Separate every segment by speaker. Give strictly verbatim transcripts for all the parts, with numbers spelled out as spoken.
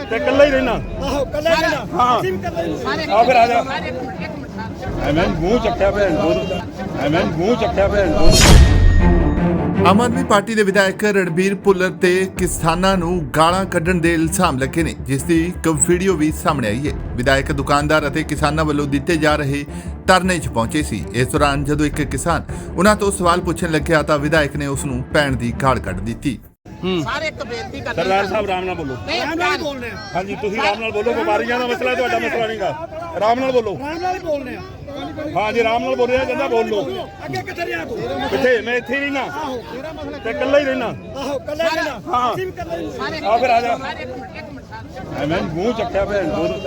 Speaker 1: ਤੇ ਇਕੱਲਾ ਹੀ ਰਹਿਣਾ।
Speaker 2: ਆਹੋ ਕੱਲਾ ਰਹਿਣਾ।
Speaker 1: ਹਾਂ
Speaker 2: ਅਸੀਂ ਵੀ ਕੱਲਾ ਹੀ
Speaker 3: ਸਾਰੇ
Speaker 1: ਆ ਫਿਰ ਆ ਜਾ।
Speaker 3: ਸਾਰੇ ਇੱਕ ਮਿੰਟ ਇੱਕ ਮਿੰਟ
Speaker 1: ਐਵੇਂ ਮੂੰਹ ਚੱਕਿਆ ਭੈਣ ਚੋਦ, ਐਵੇਂ ਮੂੰਹ ਚੱਕਿਆ ਭੈਣ ਚੋਦ।
Speaker 4: ਆਮ ਆਦਮੀ ਪਾਰਟੀ ਦੇ ਵਿਧਾਇਕ ਰਣਬੀਰ ਭੁੱਲਰ ਤੇ ਕਿਸਾਨਾਂ ਨੂੰ ਗਾਲਾਂ ਕੱਢਣ ਦੇ ਇਲਜ਼ਾਮ ਲੱਗੇ ਨੇ, ਜਿਸ ਦੀ ਇੱਕ ਵੀਡੀਓ ਵੀ ਸਾਹਮਣੇ ਆਈ ਹੈ। ਵਿਧਾਇਕ ਦੁਕਾਨਦਾਰ ਅਤੇ ਕਿਸਾਨਾਂ ਵੱਲੋਂ ਦਿੱਤੇ ਜਾ ਰਹੇ ਧਰਨੇ 'ਚ ਪਹੁੰਚੇ ਸੀ। ਇਸ ਦੌਰਾਨ ਜਦੋਂ ਇੱਕ ਕਿਸਾਨ ਉਹਨਾਂ ਤੋਂ ਸਵਾਲ ਪੁੱਛਣ ਲੱਗਿਆ ਤਾਂ ਵਿਧਾਇਕ ਨੇ ਉਸ ਨੂੰ ਪੈਣ ਦੀ ਗਾਲ ਕੱਢ ਦਿੱਤੀ।
Speaker 3: ਸਾਰੇ ਇੱਕ ਬੇਨਤੀ ਕਰਦੇ
Speaker 1: ਸਰਦਾਰ ਸਾਹਿਬ ਆਰਾਮ ਨਾਲ ਬੋਲੋ।
Speaker 3: ਨਹੀਂ
Speaker 2: ਰਾਮ ਨਾਲ ਹੀ ਬੋਲਨੇ ਆ।
Speaker 1: ਹਾਂਜੀ ਤੁਸੀਂ ਆਰਾਮ ਨਾਲ ਬੋਲੋ, ਵਪਾਰੀਆਂ ਦਾ ਮਸਲਾ ਤੁਹਾਡਾ ਮਸਲਾ ਨਹੀਂਗਾ। ਆਰਾਮ ਨਾਲ ਬੋਲੋ।
Speaker 2: ਰਾਮ ਨਾਲ ਹੀ ਬੋਲਨੇ ਆ।
Speaker 1: ਹਾਂ ਜੀ ਆਰਾਮ ਨਾਲ ਬੋਲਿਆ ਜਾਂਦਾ, ਬੋਲ ਲੋ।
Speaker 2: ਅੱਗੇ ਕਿੱਥੇ ਰਿਹਾ ਤੂੰ?
Speaker 1: ਕਿੱਥੇ? ਮੈਂ ਇੱਥੇ ਹੀ ਰਹਿਣਾ
Speaker 2: ਆਹੋ ਤੇਰਾ ਮਸਲਾ
Speaker 1: ਤੇ ਇਕੱਲਾ ਹੀ ਰਹਿਣਾ।
Speaker 2: ਆਹੋ ਕੱਲਾ ਰਹਿਣਾ।
Speaker 1: ਹਾਂ।
Speaker 2: ਅਸੀਂ ਵੀ ਕੱਲਾ ਹੀ
Speaker 3: ਸਾਰੇ
Speaker 1: ਆ ਫਿਰ ਆ ਜਾ।
Speaker 3: ਸਾਰੇ ਇੱਕ ਮਿੰਟ ਇੱਕ ਮਿੰਟ ਸਾਰੇ
Speaker 1: ਐਵੇਂ ਮੂੰਹ ਚੱਕਿਆ ਭੈਣ ਚੋਦ।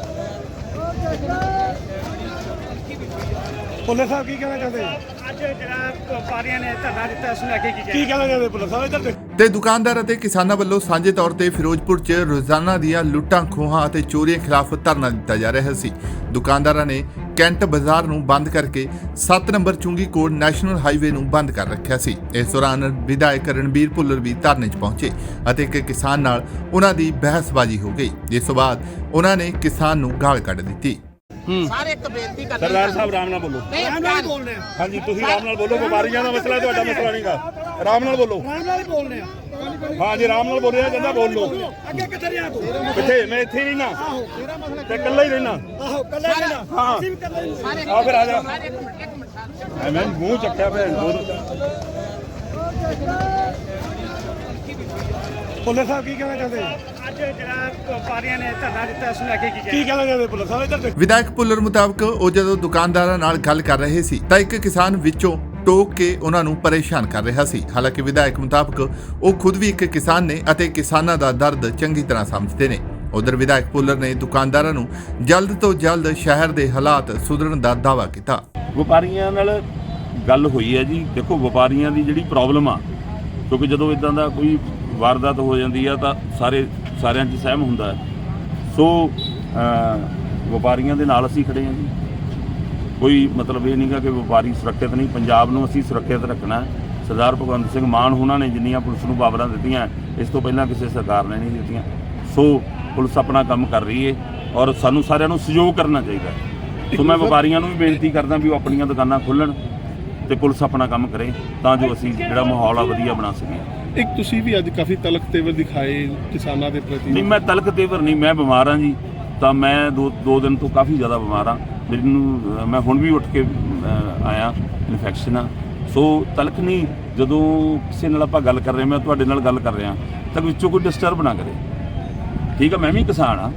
Speaker 2: ਪੁਲਿਸ ਸਾਹਿਬ ਕੀ ਕਹਿਣਾ ਚਾਹੁੰਦੇ? ਅੱਜ ਜਿਹੜਾ ਵਪਾਰੀਆਂ ਨੇ ਧਰਨਾ ਦਿੱਤਾ ਉਸ ਨੂੰ ਅੱਗੇ ਕੀ ਕੀ ਕਹਿਣਾ ਚਾਹੁੰਦੇ ਪੁਲਿਸ ਸਾਹਿਬ ਇੱਧਰ
Speaker 4: ਤੇ ਦੁਕਾਨਦਾਰ ਅਤੇ ਕਿਸਾਨਾਂ ਵੱਲੋਂ ਸਾਂਝੇ ਤੌਰ ਤੇ ਫਿਰੋਜ਼ਪੁਰ 'ਚ ਰੋਜ਼ਾਨਾ ਦੀਆਂ ਲੁੱਟਾਂ ਖੋਹਾਂ ਅਤੇ ਚੋਰੀਆਂ ਖਿਲਾਫ ਧਰਨਾ ਦਿੱਤਾ ਜਾ ਰਿਹਾ ਸੀ। ਦੁਕਾਨਦਾਰਾਂ ਨੇ ਕੈਂਟ ਬਾਜ਼ਾਰ ਨੂੰ ਬੰਦ ਕਰਕੇ ਸੱਤ ਨੰਬਰ ਚੁੰਗੀ ਕੋਟ ਨੈਸ਼ਨਲ ਹਾਈਵੇ ਨੂੰ ਬੰਦ ਕਰ ਰੱਖਿਆ ਸੀ। ਇਸ ਦੌਰਾਨ ਵਿਧਾਇਕ ਰਣਬੀਰ ਭੁੱਲਰ ਵੀ ਧਰਨੇ 'ਚ ਪਹੁੰਚੇ ਅਤੇ ਇੱਕ ਕਿਸਾਨ ਨਾਲ ਉਹਨਾਂ ਦੀ ਬਹਿਸਬਾਜ਼ੀ ਹੋ ਗਈ, ਜਿਸ ਤੋਂ ਬਾਅਦ ਉਹਨਾਂ ਨੇ ਕਿਸਾਨ ਨੂੰ ਗਾਲ ਕੱਢ ਦਿੱਤੀ।
Speaker 3: ਸਾਰੇ ਇੱਕ ਬੇਨਤੀ ਕਰਦੇ
Speaker 1: ਸਰਦਾਰ ਸਾਹਿਬ ਆਰਾਮ ਨਾਲ ਬੋਲੋ।
Speaker 3: ਨਹੀਂ
Speaker 2: ਰਾਮ ਨਾਲ ਹੀ ਬੋਲਨੇ ਆ।
Speaker 1: ਹਾਂਜੀ ਤੁਸੀਂ ਆਰਾਮ ਨਾਲ ਬੋਲੋ, ਵਪਾਰੀਆਂ ਦਾ ਮਸਲਾ ਤੁਹਾਡਾ ਮਸਲਾ ਨਹੀਂਗਾ। ਆਰਾਮ ਨਾਲ ਬੋਲੋ।
Speaker 2: ਰਾਮ ਨਾਲ ਹੀ ਬੋਲਨੇ ਆ।
Speaker 1: ਹਾਂ ਜੀ ਆਰਾਮ ਨਾਲ ਬੋਲਿਆ ਜਾਂਦਾ, ਬੋਲ ਲੋ।
Speaker 2: ਅੱਗੇ ਕਿੱਥੇ ਰਿਹਾ ਤੂੰ?
Speaker 1: ਕਿੱਥੇ? ਮੈਂ ਇੱਥੇ ਹੀ ਰਹਿਣਾ
Speaker 2: ਆਹੋ ਤੇਰਾ ਮਸਲਾ
Speaker 1: ਤੇ ਇਕੱਲਾ ਹੀ ਰਹਿਣਾ।
Speaker 2: ਆਹੋ ਕੱਲਾ ਰਹਿਣਾ।
Speaker 1: ਹਾਂ।
Speaker 2: ਅਸੀਂ ਵੀ ਕੱਲਾ ਹੀ
Speaker 3: ਸਾਰੇ
Speaker 1: ਆ ਫਿਰ ਆ ਜਾ।
Speaker 3: ਸਾਰੇ ਇੱਕ ਮਿੰਟ ਇੱਕ ਮਿੰਟ ਸਾਰੇ
Speaker 1: ਐਵੇਂ ਮੂੰਹ ਚੱਕਿਆ ਭੈਣ ਚੋਦ।
Speaker 2: ਪੁਲਿਸ ਸਾਹਿਬ ਕੀ ਕਹਿਣਾ ਚਾਹੁੰਦੇ? ਅੱਜ ਜਿਹੜਾ ਵਪਾਰੀਆਂ ਨੇ ਧਰਨਾ ਦਿੱਤਾ ਉਸ ਨੂੰ ਅੱਗੇ ਕੀ ਕੀ ਕਹਿਣਾ ਚਾਹੁੰਦੇ ਪੁਲਿਸ ਸਾਹਿਬ ਇੱਧਰ
Speaker 4: ਵਿਧਾਇਕ ਭੁੱਲਰ ਮੁਤਾਬਕ ਉਹ ਜਦੋਂ ਦੁਕਾਨਦਾਰਾਂ ਨਾਲ ਗੱਲ ਕਰ ਰਹੇ ਸੀ ਤਾਂ ਇੱਕ ਕਿਸਾਨ ਵਿੱਚੋਂ ਟੋਕ ਕੇ ਉਹਨਾਂ ਨੂੰ ਪਰੇਸ਼ਾਨ ਕਰ ਰਿਹਾ ਸੀ। ਹਾਲਾਂਕਿ ਵਿਧਾਇਕ ਮੁਤਾਬਕ ਉਹ ਖੁਦ ਵੀ ਇੱਕ ਕਿਸਾਨ ਨੇ ਅਤੇ ਕਿਸਾਨਾਂ ਦਾ ਦਰਦ ਚੰਗੀ ਤਰ੍ਹਾਂ ਸਮਝਦੇ ਨੇ। ਉਧਰ ਵਿਧਾਇਕ ਭੁੱਲਰ ਨੇ ਦੁਕਾਨਦਾਰਾਂ ਨੂੰ ਜਲਦ ਤੋਂ ਜਲਦ ਸ਼ਹਿਰ ਦੇ ਹਾਲਾਤ ਸੁਧਰਨ ਦਾ ਦਾਅਵਾ ਕੀਤਾ।
Speaker 5: ਵਪਾਰੀਆਂ ਨਾਲ ਗੱਲ ਹੋਈ ਹੈ ਜੀ। ਦੇਖੋ ਵਪਾਰੀਆਂ ਦੀ ਜਿਹੜੀ ਪ੍ਰੋਬਲਮ ਆ, ਕਿਉਂਕਿ ਜਦੋਂ ਇਦਾਂ ਦਾ ਕੋਈ ਵਾਰਦਾਤ ਹੋ ਜਾਂਦੀ ਆ ਤਾਂ ਸਾਰੇ ਸਾਰਿਆਂ 'ਚ ਸਹਿਮ ਹੁੰਦਾ ਹੈ। ਸੋ ਵਪਾਰੀਆਂ ਦੇ ਨਾਲ ਅਸੀਂ ਖੜੇ ਹਾਂ ਜੀ। ਕੋਈ ਮਤਲਬ ਇਹ ਨਹੀਂਗਾ ਕਿ ਵਪਾਰੀ ਸੁਰੱਖਿਅਤ ਨਹੀਂ, ਪੰਜਾਬ ਨੂੰ ਅਸੀਂ ਸੁਰੱਖਿਅਤ ਰੱਖਣਾ। ਸਰਦਾਰ ਭਗਵੰਤ ਸਿੰਘ ਮਾਨ ਉਹਨਾਂ ਨੇ ਜਿੰਨੀਆਂ ਪੁਲਿਸ ਨੂੰ ਪਾਵਰਾਂ ਦਿੱਤੀਆਂ, ਇਸ ਤੋਂ ਪਹਿਲਾਂ ਕਿਸੇ ਸਰਕਾਰ ਨੇ ਨਹੀਂ ਦਿੱਤੀਆਂ। ਸੋ ਪੁਲਿਸ ਆਪਣਾ ਕੰਮ ਕਰ ਰਹੀ ਹੈ ਔਰ ਸਾਨੂੰ ਸਾਰਿਆਂ ਨੂੰ ਸਹਿਯੋਗ ਕਰਨਾ ਚਾਹੀਦਾ। ਸੋ ਮੈਂ ਵਪਾਰੀਆਂ ਨੂੰ ਵੀ ਬੇਨਤੀ ਕਰਦਾ ਵੀ ਉਹ ਆਪਣੀਆਂ ਦੁਕਾਨਾਂ ਖੋਲ੍ਹਣ ਤੇ ਪੁਲਿਸ ਆਪਣਾ ਕੰਮ ਕਰੇ ਤਾਂ ਜੋ ਅਸੀਂ ਜਿਹੜਾ ਮਾਹੌਲ ਆ ਵਧੀਆ ਬਣਾ ਸਕੀਏ।
Speaker 6: ਇੱਕ ਤੁਸੀਂ ਵੀ ਅੱਜ ਕਾਫੀ ਤਲਖ ਤੇਵਰ ਦਿਖਾਏ ਕਿਸਾਨਾਂ ਦੇ ਪ੍ਰਤੀ।
Speaker 5: ਨਹੀਂ, ਮੈਂ ਤਲਕ ਤੇਵਰ ਨਹੀਂ, ਮੈਂ ਬਿਮਾਰ ਹਾਂ ਜੀ। ਤਾਂ ਮੈਂ ਦੋ ਦੋ ਦਿਨ ਤੋਂ ਕਾਫੀ ਜ਼ਿਆਦਾ ਬਿਮਾਰ ਹਾਂ। ਮੈਨੂੰ ਮੈਂ ਹੁਣ ਵੀ ਉੱਠ ਕੇ ਆਇਆ, ਇਨਫੈਕਸ਼ਨ ਆ। ਸੋ ਤਲਕ ਨਹੀਂ, ਜਦੋਂ ਕਿਸੇ ਨਾਲ ਆਪਾਂ ਗੱਲ ਕਰ ਰਹੇ, ਮੈਂ ਤੁਹਾਡੇ ਨਾਲ ਗੱਲ ਕਰ ਰਿਹਾ ਤਾਂ ਵਿੱਚੋਂ ਕੋਈ ਡਿਸਟਰਬ ਨਾ ਕਰੇ, ਠੀਕ ਆ। ਮੈਂ ਵੀ ਕਿਸਾਨ ਆ,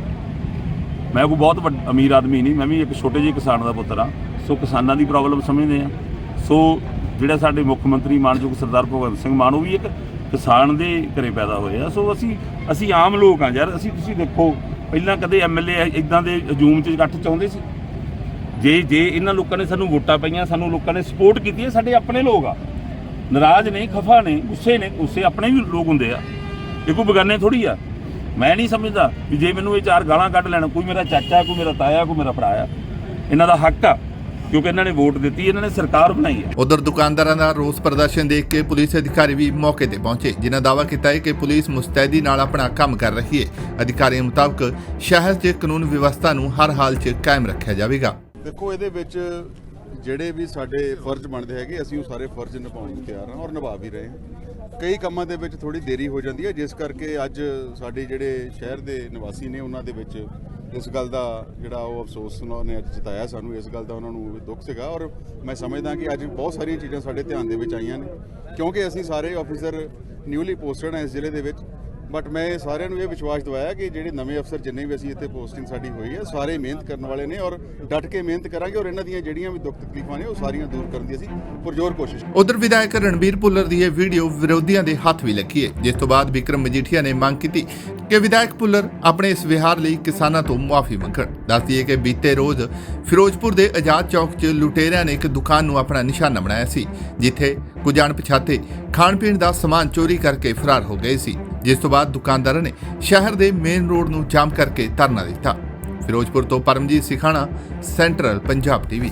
Speaker 5: ਮੈਂ ਕੋਈ ਬਹੁਤ ਵੱਡਾ ਅਮੀਰ ਆਦਮੀ ਨਹੀਂ, ਮੈਂ ਵੀ ਇੱਕ ਛੋਟੇ ਜਿਹੇ ਕਿਸਾਨ ਦਾ ਪੁੱਤਰ ਆ। ਸੋ ਕਿਸਾਨਾਂ ਦੀ ਪ੍ਰੋਬਲਮ ਸਮਝਦੇ ਆ। ਸੋ ਜਿਹੜਾ ਸਾਡੇ ਮੁੱਖ ਮੰਤਰੀ ਮਾਨਯੋਗ ਸਰਦਾਰ ਭਗਵੰਤ ਸਿੰਘ ਮਾਨ, ਉਹ ਵੀ ਇੱਕ ਕਿਸਾਨ ਦੇ ਘਰੇ ਪੈਦਾ ਹੋਏ ਆ। ਸੋ ਅਸੀਂ ਅਸੀਂ ਆਮ ਲੋਕ ਆ ਯਾਰ। ਅਸੀਂ ਤੁਸੀਂ ਦੇਖੋ ਪਹਿਲਾਂ ਕਦੇ ਐਮ ਐਲ ਏ ਇੱਦਾਂ ਦੇ ਹਜੂਮ 'ਚ ਇਕੱਠ ਚਾਹੁੰਦੇ ਸੀ? ਜੇ ਜੇ ਇਹਨਾਂ ਲੋਕਾਂ ਨੇ ਸਾਨੂੰ ਵੋਟਾਂ ਪਈਆਂ, ਸਾਨੂੰ ਲੋਕਾਂ ਨੇ ਸਪੋਰਟ ਕੀਤੀ ਹੈ, ਸਾਡੇ ਆਪਣੇ ਲੋਕ ਆ। ਨਾਰਾਜ਼ ਨੇ, ਖਫਾ ਨੇ, ਗੁੱਸੇ ਨੇ। ਗੁੱਸੇ ਆਪਣੇ ਵੀ ਲੋਕ ਹੁੰਦੇ ਆ, ਇਹ ਕੋਈ ਬੇਗਾਨੇ ਥੋੜ੍ਹੀ ਆ। ਮੈਂ ਨਹੀਂ ਸਮਝਦਾ ਵੀ ਜੇ ਮੈਨੂੰ ਇਹ ਚਾਰ ਗਾਲਾਂ ਕੱਢ ਲੈਣ, ਕੋਈ ਮੇਰਾ ਚਾਚਾ, ਕੋਈ ਮੇਰਾ ਤਾਇਆ, ਕੋਈ ਮੇਰਾ ਭਰਾ ਆ, ਇਹਨਾਂ ਦਾ ਹੱਕ ਆ, ਕਿਉਂਕਿ ਇਹਨਾਂ ਨੇ ਵੋਟ ਦਿੱਤੀ, ਇਹਨਾਂ ਨੇ ਸਰਕਾਰ ਬਣਾਈ ਹੈ।
Speaker 4: ਉਧਰ ਦੁਕਾਨਦਾਰਾਂ ਦਾ ਰੋਸ ਪ੍ਰਦਰਸ਼ਨ ਦੇਖ ਕੇ ਪੁਲਿਸ ਅਧਿਕਾਰੀ ਵੀ ਮੌਕੇ ਤੇ ਪਹੁੰਚੇ, ਜਿਨ੍ਹਾਂ ਦਾਅਵਾ ਕੀਤਾ ਹੈ ਕਿ ਪੁਲਿਸ ਮੁਸਤੈਦੀ ਨਾਲ ਆਪਣਾ ਕੰਮ ਕਰ ਰਹੀ ਹੈ। ਅਧਿਕਾਰੀਆਂ ਮੁਤਾਬਕ ਸ਼ਹਿਰ 'ਚ ਕਾਨੂੰਨ ਵਿਵਸਥਾ ਨੂੰ ਹਰ ਹਾਲ 'ਚ ਕਾਇਮ ਰੱਖਿਆ ਜਾਵੇਗਾ।
Speaker 7: ਦੇਖੋ ਇਹਦੇ ਵਿੱਚ ਜਿਹੜੇ ਵੀ ਸਾਡੇ ਫਰਜ਼ ਬਣਦੇ ਹੈਗੇ, ਅਸੀਂ ਉਹ ਸਾਰੇ ਫਰਜ਼ ਨਿਭਾਉਣ ਨੂੰ ਤਿਆਰ ਹਾਂ ਔਰ ਨਿਭਾ ਵੀ ਰਹੇ ਹਾਂ। ਕਈ ਕੰਮਾਂ ਦੇ ਵਿੱਚ ਥੋੜੀ ਦੇਰੀ ਹੋ ਜਾਂਦੀ ਹੈ, ਜਿਸ ਕਰਕੇ ਅੱਜ ਸਾਡੇ ਜਿਹੜੇ ਸ਼ਹਿਰ ਦੇ ਨਿਵਾਸੀ ਨੇ ਉਹਨਾਂ ਦੇ ਵਿੱਚ ਇਸ ਗੱਲ ਦਾ ਜਿਹੜਾ ਉਹ ਅਫਸੋਸ ਉਹਨਾਂ ਨੇ ਅੱਜ ਜਤਾਇਆ ਸਾਨੂੰ, ਇਸ ਗੱਲ ਦਾ ਉਹਨਾਂ ਨੂੰ ਦੁੱਖ ਸੀਗਾ। ਔਰ ਮੈਂ ਸਮਝਦਾ ਕਿ ਅੱਜ ਬਹੁਤ ਸਾਰੀਆਂ ਚੀਜ਼ਾਂ ਸਾਡੇ ਧਿਆਨ ਦੇ ਵਿੱਚ ਆਈਆਂ ਨੇ, ਕਿਉਂਕਿ ਅਸੀਂ ਸਾਰੇ ਆਫੀਸਰ ਨਿਊਲੀ ਪੋਸਟਡ ਹਾਂ ਇਸ ਜ਼ਿਲ੍ਹੇ ਦੇ ਵਿੱਚ। ਬਟ ਮੈਂ ਸਾਰਿਆਂ ਨੂੰ ਇਹ ਵਿਸ਼ਵਾਸ ਦਿਵਾਇਆ ਕਿ ਜਿਹੜੇ ਨਵੇਂ ਅਫਸਰ ਜਿੰਨੇ ਵੀ ਅਸੀਂ ਇੱਥੇ ਪੋਸਟਿੰਗ ਸਾਡੀ ਹੋਈ ਹੈ, ਸਾਰੇ ਮਿਹਨਤ ਕਰਨ ਵਾਲੇ ਨੇ ਔਰ ਡਟ ਕੇ ਮਿਹਨਤ ਕਰਾਂਗੇ ਔਰ ਇਹਨਾਂ ਦੀਆਂ ਜਿਹੜੀਆਂ ਵੀ ਦੁੱਖ ਤਕਲੀਫਾਂ ਨੇ ਉਹ ਸਾਰੀਆਂ ਦੂਰ ਕਰਨ ਦੀ ਅਸੀਂ ਪੁਰਜ਼ੋਰ ਕੋਸ਼ਿਸ਼।
Speaker 4: ਉਧਰ ਵਿਧਾਇਕ ਰਣਬੀਰ ਭੁੱਲਰ ਦੀ ਇਹ ਵੀਡੀਓ ਵਿਰੋਧੀਆਂ ਦੇ ਹੱਥ ਵੀ ਲੱਗੀ ਹੈ, ਜਿਸ ਤੋਂ ਬਾਅਦ ਵਿਕਰਮ ਮਜੀਠੀਆ ਨੇ ਮੰਗ ਕੀਤੀ ਕਿ ਵਿਧਾਇਕ ਭੁੱਲਰ ਆਪਣੇ ਇਸ ਵਿਹਾਰ ਲਈ ਕਿਸਾਨਾਂ ਤੋਂ ਮੁਆਫੀ ਮੰਗਣ। ਦੱਸ ਦਈਏ ਕਿ ਬੀਤੇ ਰੋਜ਼ ਫਿਰੋਜ਼ਪੁਰ ਦੇ ਆਜ਼ਾਦ ਚੌਕ 'ਚ ਲੁਟੇਰਿਆਂ ਨੇ ਇੱਕ ਦੁਕਾਨ ਨੂੰ ਆਪਣਾ ਨਿਸ਼ਾਨਾ ਬਣਾਇਆ ਸੀ, ਜਿੱਥੇ ਕੁਝ ਅਣਪਛਾਤੇ ਖਾਣ ਪੀਣ ਦਾ ਸਮਾਨ ਚੋਰੀ ਕਰਕੇ ਫਰਾਰ ਹੋ ਗਏ ਸੀ, ਜਿਸ ਤੋਂ ਬਾਅਦ ਦੁਕਾਨਦਾਰਾਂ ਨੇ ਸ਼ਹਿਰ ਦੇ ਮੇਨ ਰੋਡ ਨੂੰ ਜਾਮ ਕਰਕੇ ਧਰਨਾ ਦਿੱਤਾ। ਫਿਰੋਜ਼ਪੁਰ ਤੋਂ ਪਰਮਜੀਤ ਸਿਖਾਣਾ, ਸੈਂਟਰਲ ਪੰਜਾਬ ਟੀਵੀ।